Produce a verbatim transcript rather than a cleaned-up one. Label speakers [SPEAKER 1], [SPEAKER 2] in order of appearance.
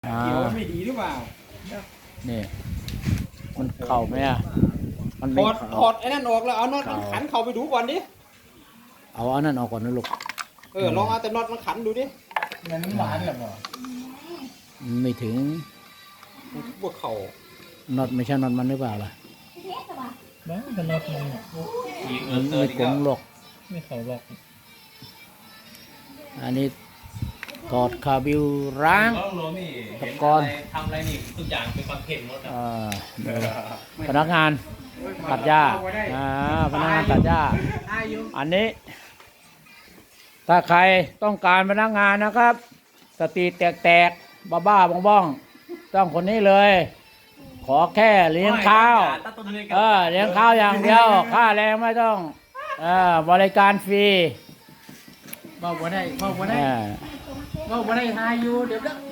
[SPEAKER 1] อ่า
[SPEAKER 2] เกี่ยวไม่ดีหรือเปล่า
[SPEAKER 1] นี่มันเข่าไหมอ่ะมัน
[SPEAKER 2] ถ
[SPEAKER 1] ไม่
[SPEAKER 2] อด
[SPEAKER 1] เข่า
[SPEAKER 2] ถอดไอ้นั่นออกแล้วเอาน็อตมันขันเข้าไปดูก่อนดิ
[SPEAKER 1] เอาอันนั้นออกก่อนนะลูก
[SPEAKER 2] เออลองเอาแต่น็อตมันขันดูดิ
[SPEAKER 3] มันหวานหรือเปล่า
[SPEAKER 1] ไม่ถึง
[SPEAKER 2] พวกเข่า
[SPEAKER 1] น็อตไม่ใช่น็อตมันหรือเปล่าล่ะ
[SPEAKER 3] บ้าแต่น็อตมัน
[SPEAKER 1] มันไม่กลงหรอก
[SPEAKER 3] ไม่เขาหรอก
[SPEAKER 1] อันนี้ถอดคาบิวร้าง
[SPEAKER 4] น้องโรนี่
[SPEAKER 1] ตะ
[SPEAKER 4] เห็น
[SPEAKER 1] กอ
[SPEAKER 4] อะ
[SPEAKER 1] น
[SPEAKER 4] ไรทำอะไรนี่ทุกอย่างเป็นคอนเทนต์หมดอ่ะ
[SPEAKER 1] อ่าเดี๋ยวพนักงานตัดหญ้าอ่าพนักงานตัดหญ้า อันนี้ ถ้าใครต้องการพนักงานนะครับ สติแตกๆบ้าบ้าๆบ้องๆต้องคนนี้เลย ขอแค่เลี้ยงข้าว เออเลี้ยงข้าวอย่างเดียว ค่าแรงไม่ต้องเออบริการฟรี
[SPEAKER 3] เบาบ่ได้เบาบ่
[SPEAKER 1] เอ
[SPEAKER 3] ได้
[SPEAKER 1] อ
[SPEAKER 3] เบาบ่ได้หาอยู่เดี๋ยวเด้อ